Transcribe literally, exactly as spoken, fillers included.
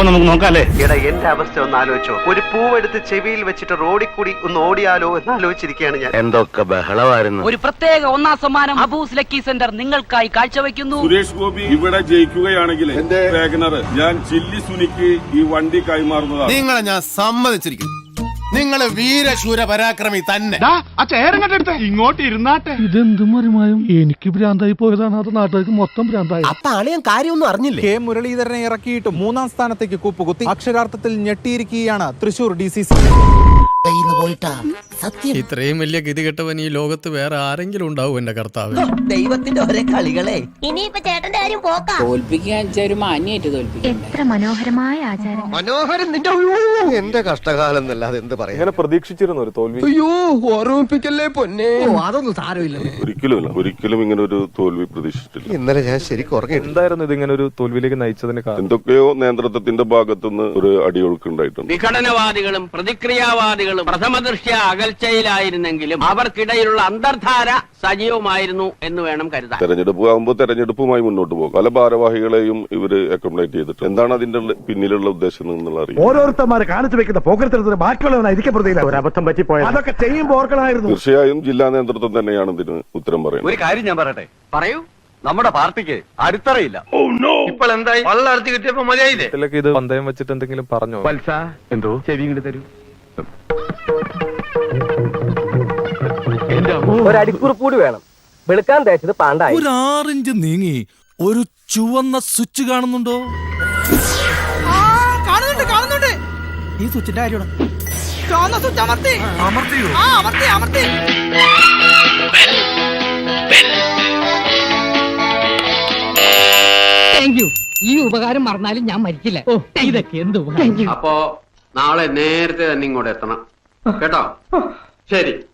അപ്പൊ നമുക്ക് നോക്കാല്ലേ? എടാ എന്റെ അവസ്ഥ ഒന്ന് ആലോചിച്ചോ. ഒരു പൂവെടുത്ത് ചെവിയിൽ വെച്ചിട്ട് റോഡിൽ കൂടി ഒന്ന് ഓടിയാലോ എന്ന് ആലോചിച്ചിരിക്കുകയാണ് ഞാൻ. എന്തൊക്കെ ബഹളമായിരുന്നു. ഒരു പ്രത്യേക ഒന്നാം സമ്മാനം അബൂസ് ലക്കി സെന്റർ നിങ്ങൾക്കായി കാഴ്ചവെക്കുന്നു. സുരേഷ് ഗോപി ഇവിടെ ജയിക്കുകയാണെങ്കിൽ എന്റെ വാഗണർ ഞാൻ ചില്ലി സുനിക്ക് ഈ വണ്ടി കൈമാറുന്നതാണ്. നിങ്ങളെ ഞാൻ സമ്മതിച്ചിരിക്കുന്നു. നിങ്ങള് വീരശൂര പരാക്രമി തന്നെ. ഇങ്ങോട്ട് ഇരുന്നാട്ടെ. ഇതെന്തും മറിമായും എനിക്ക് ഭ്രാന്തായി പോയതാണ്. അത് നാട്ടുകാർക്ക് മൊത്തം ഭ്രാന്തായി. അപ്പൊ ആളെ ഞാൻ കാര്യമൊന്നും അറിഞ്ഞില്ലേ? കെ മുരളീധരനെ ഇറക്കിയിട്ടും മൂന്നാം സ്ഥാനത്തേക്ക് കൂപ്പുകുത്തി അക്ഷരാർത്ഥത്തിൽ ഞെട്ടിയിരിക്കുകയാണ് തൃശൂർ ഡി സി സി. ഇത്രയും വലിയ ഗതികെട്ടവൻ ഈ ലോകത്ത് വേറെ ആരെങ്കിലും ഉണ്ടാവും എന്റെ കർത്താവ്. ദൈവത്തിന്റെ ഒരേ കളികളെ. ഇനിയിപ്പോ ചേട്ടന്റെ കാര്യം പോക്കാം. തോൽപ്പിക്കാൻ ഒരു മാന്യായിട്ട് തോൽപ്പിക്കും. എത്ര മനോഹരമായ ആചാരം. മനോഹരൻ നിന്റെ എന്റെ കഷ്ടകാലം എന്നല്ലാതെ എന്ത് പറയാ. ഇങ്ങനെ പ്രതീക്ഷിച്ചിരുന്നു ഒരു തോൽവി. അയ്യോ ഓർമ്മിപ്പിക്കല്ലേ പൊന്നെ. അതൊന്നും സാരമില്ല. ഒരിക്കലും ഒരിക്കലും ഇങ്ങനെ ഒരു തോൽവി പ്രതീക്ഷിച്ചിട്ടില്ല. ഇന്നലെ ഞാൻ ശരിക്കും ഉറങ്ങി. എന്തായിരുന്നു ഇതിങ്ങനെ ഒരു തോൽവിയിലേക്ക് നയിച്ചതിന് കാരണം? എന്തൊക്കെയോ നേതൃത്വത്തിന്റെ ഭാഗത്തുനിന്ന് ഒരു അടിയൊഴുക്കുണ്ടായിട്ടുണ്ട്. വിഘടനവാദികളും പ്രതിക്രിയാവാദികളും പ്രഥമദൃഷ്ട്യാ അകൽച്ചയിലായിരുന്നെങ്കിലും അവർക്കിടയിലുള്ള അന്തർധാര സജീവമായിരുന്നു എന്ന് വേണം കരുതാൻ. തെരഞ്ഞെടുപ്പ് ആകുമ്പോൾ തെരഞ്ഞെടുപ്പുമായി മുന്നോട്ട് പോകും. പല ഭാരവാഹികളെയും ഇവര് അക്കോമഡേറ്റ് ചെയ്തിട്ട് എന്താണ് അതിന്റെ പിന്നിലുള്ള ഉദ്ദേശം എന്നുള്ള അറിയാം. ഓരോരുത്തന്മാരെ കാണിച്ചു വെക്കുന്ന പോക്കരത്തിന് ബാക്കിയുള്ളവനായിരിക്കും പ്രതിയില്ല. ഒരു അബദ്ധം പറ്റിപ്പോയത് അതൊക്കെ ചെയ്യുമ്പോൾ ഓർക്കണമായിരുന്നു. തീർച്ചയായും ജില്ലാ നേതൃത്വം തന്നെയാണ് ഇതിന് ഉത്തരം പറയുന്നത്. ഒരു കാര്യം ഞാൻ പറയട്ടെ. പറയൂ. നമ്മുടെ പാർട്ടിക്ക് അടിത്തറയില്ല. ഇപ്പോൾ എന്തായി? വള്ളർത്തി കിട്ടിയപ്പോ മതിയായില്ലേ? ഇത് പന്തയം വെച്ചിട്ട് എന്തെങ്കിലും പറഞ്ഞോ? വത്സ എന്തോ ചെവി ഇങ്ങോട്ട് തരൂ. ഒരടിക്കുറിപ്പ് കൂടി വേണം. വെളുക്കാൻ തേച്ചത് പാണ്ടായി. ഒരു ആറിഞ്ച് നീങ്ങി ഒരു ചുവന്ന സ്വിച്ച് കാണുന്നുണ്ടോ? കാണുന്നുണ്ട് കാണുന്നുണ്ട്. ഈ സ്വിച്ചിന്റെ കാര്യമാണ്. ചുവന്ന സ്വിച്ച് അമർത്തി. അമർത്തിയോ? ആ അമർത്തി അമർത്തി. Thank you. ഈ ഉപകാരം മറന്നാലും ഞാൻ മരിക്കില്ല. ഇതൊക്കെ എന്ത് ഉപകാരം. അപ്പോ നാളെ നേരത്തെ തന്നെ ഇങ്ങോട്ട് എത്തണം കേട്ടോ. ശരി.